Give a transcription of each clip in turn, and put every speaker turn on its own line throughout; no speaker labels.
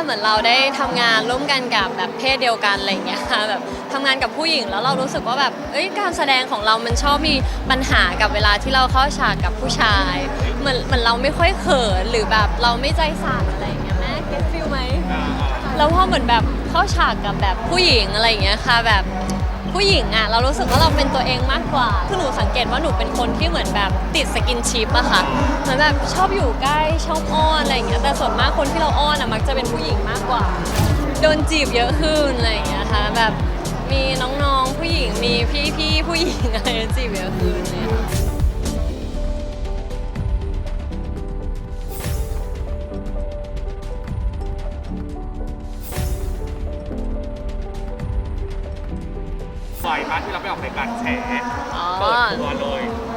เหมือนเราได้ทำงานร่วมกันกับแบบเพศเดียวกันอะไรอย่างเงี้ยค่ะแบบทำงานกับผู้หญิงแล้วเรารู้สึกว่าแบบการแสดงของเรามันชอบมีปัญหากับเวลาที่เราเข้าฉากกับผู้ชายเหมือนเราไม่ค่อยเขินหรือแบบเราไม่ใจสั่นอะไรอย่างเงี้ยแม่เก็ตฟิลไหมแล้วพอเหมือนแบบเข้าฉากกับแบบผู้หญิงอะไรอย่างเงี้ยค่ะแบบผู้หญิงอ่ะเรารู้สึกว่าเราเป็นตัวเองมากกว่าคือหนูสังเกตว่าหนูเป็นคนที่เหมือนแบบติดสกินชิปอะค่ะเหมือนแบบชอบอยู่ใกล้ชอบอ้อนอะไรอย่างเงี้ยแต่ส่วนมากคนที่เราอ้อนอะมักจะเป็นผู้หญิงมากกว่าโดนจีบเยอะขึ้นอะไรอย่างเงี้ยค่ะแบบมีน้องๆผู้หญิงมีพี่ๆผู้หญิงอะไรจีบเยอะขึ้นเลยค่ะ
บ่อยมากที่เราไปออกรายการแฉเปิดตัวเลย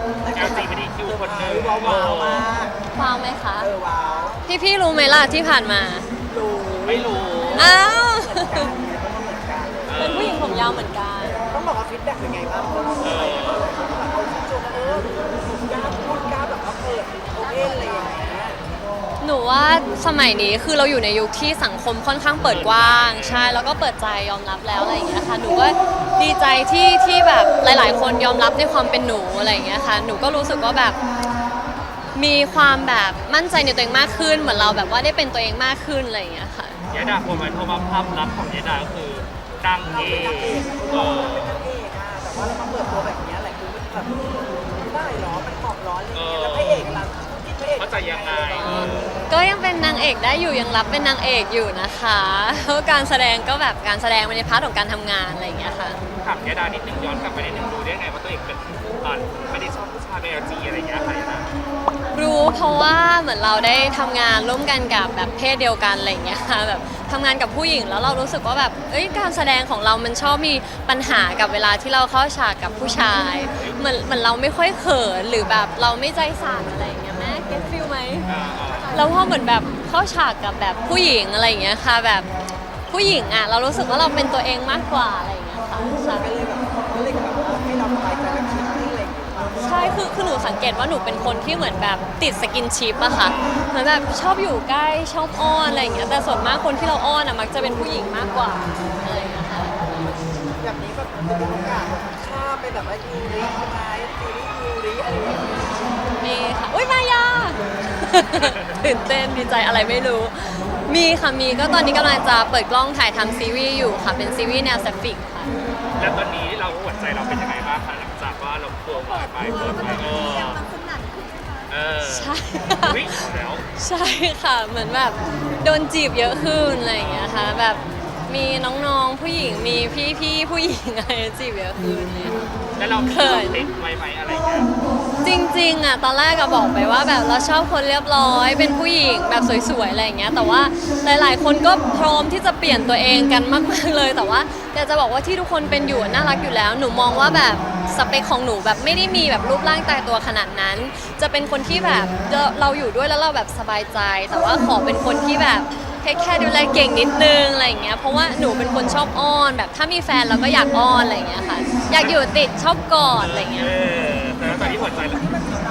LGBTQ คนหนึ่ง
ว้าวมาก
ว้าวไหมคะ
ว้าว
พี่รู้ไหมล่ะที่ผ่านมา
รู้
ไม่รู้
อ้าว
กัน
เป็นผู้หญิงผมยาวเหมือนกัน
ต้องบอกว่าฟีดแบ็กเป็นไงบ้างเพราะว่าอะไรเขาชมกล้าพูดกล้าแบบว่าเปิดโอเพนอะไรอย่างเงี้ย
หนูว่าสมัยนี้คือเราอยู่ในยุคที่สังคมค่อนข้างเปิดกว้างใช่แล้วก็เปิดใจยอมรับแล้วอะไรอย่างเงี้ยค่ะหนูก็ดีใจที่แบบหลาย ๆ คนยอมรับในความเป็นหนูอะไรอย่างเงี้ยค่ะหนูก็รู้สึกว่าแบบมีความแบบมั่นใจในตัวเองมากขึ้นเหมือนเราแบบว่าได้เป็นตัวเองมากขึ้นอะไรอย่างเงี้ยค่ะ
ยายดาคนมันเพราะว่าภาพลักษณ์ของยายดาก็คือดังเอ
เราเป็นนางเอก
เออ
แต่ว่าเรามาเปิดตัวแบบนี้หลายคนก็แบบได้หรอมันเหมาะร้อนอะไรอย่างเงี้ยแล้วพระเอกล่ะคิดพระเอก
เข้าใจยังไง
ก็ยังเป็นนางเอกได้อยู่ยังรับเป็นนางเอกอยู่นะคะเพราะการแสดงก็แบบการแสดงในพาร์ทของการทำงานอะไรอย่างเงี้ยค่ะ
ถามยายดานิดนึงย้อนกลับไปนิดนึงดูได้ไงว่าตัวเองเป็นไม่ได้ชอบผู้ชายใน LG อะไรอย่างเงี้ยค่ะยายดา
รู้เพราะว่าเหมือนเราได้ทำงานร่วมกันกับแบบเพศเดียวกันอะไรอย่างเงี้ยค่ะแบบทำงานกับผู้หญิงแล้วเรารู้สึกว่าแบบการแสดงของเรามันชอบมีปัญหากับเวลาที่เราเข้าฉากกับผู้ชายเหมือนเราไม่ค่อยเขินหรือแบบเราไม่ใจสั่นอะไรอย่างเงี้ยแม่เก็ตฟิลไหมแล้วพอเหมือนแบบเข้าฉากกับแบบผู้หญิงอะไรอย่างเงี้ยค่ะแบบผู้หญิงอ่ะเรารู้สึกว่าเราเป็นตัวเองมากกว่าอะไรอย่างเงี้ยค่ะใช่
ก็เลยแบบว่าให้เราสบายใจและคิดนิ่งเลย
ใช่คือหนูสังเกตว่าหนูเป็นคนที่เหมือนแบบติดสกินชิปอะค่ะเหมือนแบบชอบอยู่ใกล้ชอบอ้อนอะไรอย่างเงี้ยแต่ส่วนมากคนที่เราอ้อนอะมักจะเป็นผู้หญิงมากกว่าอะไรอย่างเงี้ยค่ะ
แบบนี้แบบจะมีโอกาสข้ามไปแบบว่ายูริใช่ไหมซีรีส์ยูริอะไรอย่างเงี้ย
มีค่ะอุ้ยมายา ตื่นเต้นดีใจอะไรไม่รู้ มีค่ะมีก็ตอนนี้กำลังจะเปิดกล้องถ่ายทำซีรีส์อยู่ค่ะเป็นซีรีส์แนวแซฟฟิกค่ะ
แล้วตอนนี้เราหัวใจเราเป็นยังไงบ้างคะหลังจากว่าเราเปิดไปเปิดไปเออ
ใช่
วิ่งแล้ว
ใช่ค่ะเหมือนแบบโดนจีบเยอะขึ้นอะไรอย่างเงี้ยค่ะแบบมีน้องๆผู้หญิงมีพี่ๆผู้หญิงอะไรจีบเยอะขึ้นเลยค่ะ
แล้วเรา
เขิน
ติดไว้ไหมอะไรเงี้ย
จริงๆอ่ะตอนแรกก็บอกไปว่าแบบเราชอบคนเรียบร้อยเป็นผู้หญิงแบบสวยๆอะไรอย่างเงี้ยแต่ว่าหลายๆ คนก็พร้อมที่จะเปลี่ยนตัวเองกันมากๆเลยแต่ว่าอยากจะบอกว่าที่ทุกคนเป็นอยู่น่ารักอยู่แล้วหนูมองว่าแบบสเปคของหนูแบบไม่ได้มีแบบรูปร่างตายตัวขนาดนั้น จะเป็นคนที่แบบเราอยู่ด้วยแล้วเราแบบสบายใจ แต่ว่าขอเป็นคนที่แบบแค่ดูแลเก่งนิดนึงอะไรอย่างเงี้ยเพราะว่าหนูเป็นคนชอบอ้อนแบบถ้ามีแฟนเราก็อยากอ้อนอะไรอย่างเงี้ยค่ะอยากอยู่ติดชอบกอดอะไรอย่างเงี้ย
แต่แล้วตอนนี้หัวใจเรา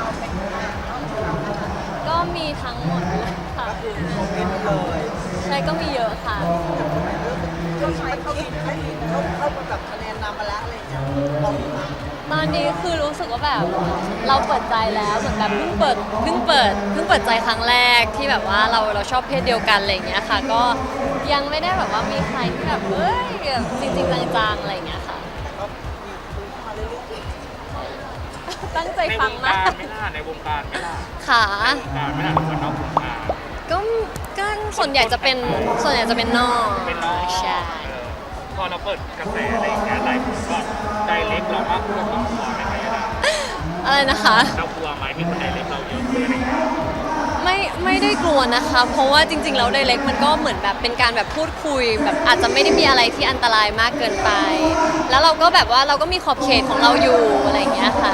ก็มีทั้งหมดเลยค่ะ
โมเมนต์เลย
ใช่ก็มีเยอะค่ะ
เขาใช้เขาคิดให้เขาแบบคะแนนนำมาแล้วอะไรอย่างเงี้ยลองดูนะ
ตอนนี้คือรู้สึกว่าแบบเราเปิดใจแล้วเหมือนแบบเพิ่งเปิดใจครั้งแรกที่แบบว่าเราชอบเพศเดียวกันอะไรอย่างเงี้ยค่ะ ก็ยังไม่ได้แบบว่ามีใครที่แบบแบบจริงๆจังๆอะไรอย่างเงี้ยค่ะ
แต่ก็มีคุยเข้ามาเรื่อยๆ
ตั้งใจ
ในว
ฟัง
ง
มา
การ
ก
ไม่ล่ะในวงการไม่ล่ะ
ค่ะ
ในวงการไม่ล่ะคนนอกวงการ
ก็ส่วนใหญ่จะเป็นนอก
เป็นน้อง
ใช่
พอเราเปิดกระแสอะไรอย่างเงี้ยหลายคนก็ไดเล็กเรามากขึ้นเรากลัวไหมคะยาดา
อะไรนะคะ
เรากลัวไหมมีคนไดเล็กเราเยอะขึ้นอะไรอย่างเงี้ย
ไม่ได้กลัวนะคะ เพราะว่าจริงๆแล้วไดเรกมันก็เหมือนแบบเป็นการแบบพูดคุยแบบอาจจะไม่ได้มีอะไรที่อันตรายมากเกินไป แล้วเราก็แบบว่าเราก็มีขอบเขตของเราอยู่อะไรอย่างเงี้ยค่ะ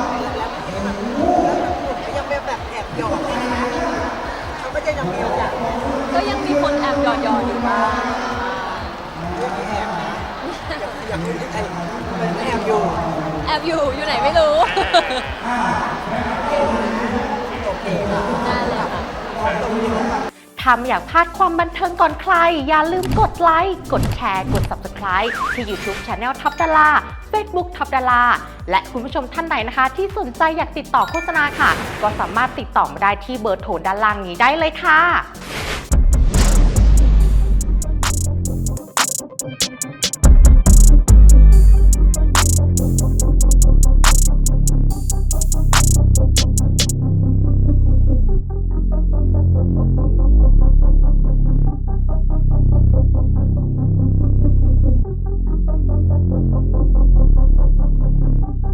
ยังแบบแอบหยอกเลยนะเขาก็จะยังมีโอกาส
ก็ยังมีคนแอบหยอดอยู่บ้าง
ยังมีแอบนะอย่างนี้ไอ้เป็นแอบอยู่
แอบอยู่ไหนไม่รู้
โอเคค่ะ
นั่นเลยค่ะ
ตรงนี้
ถ้าไม่อยากพลาดความบันเทิงก่อนใคร อย่าลืมกดไลค์ กดแชร์ กด Subscribe ที่ YouTube Channel ท็อปดารา Facebook ท็อปดาราและคุณผู้ชมท่านใดนะคะ ที่สนใจอยากติดต่อโฆษณาค่ะ ก็สามารถติดต่อมาได้ที่เบอร์โทรด้านล่างนี้ได้เลยค่ะ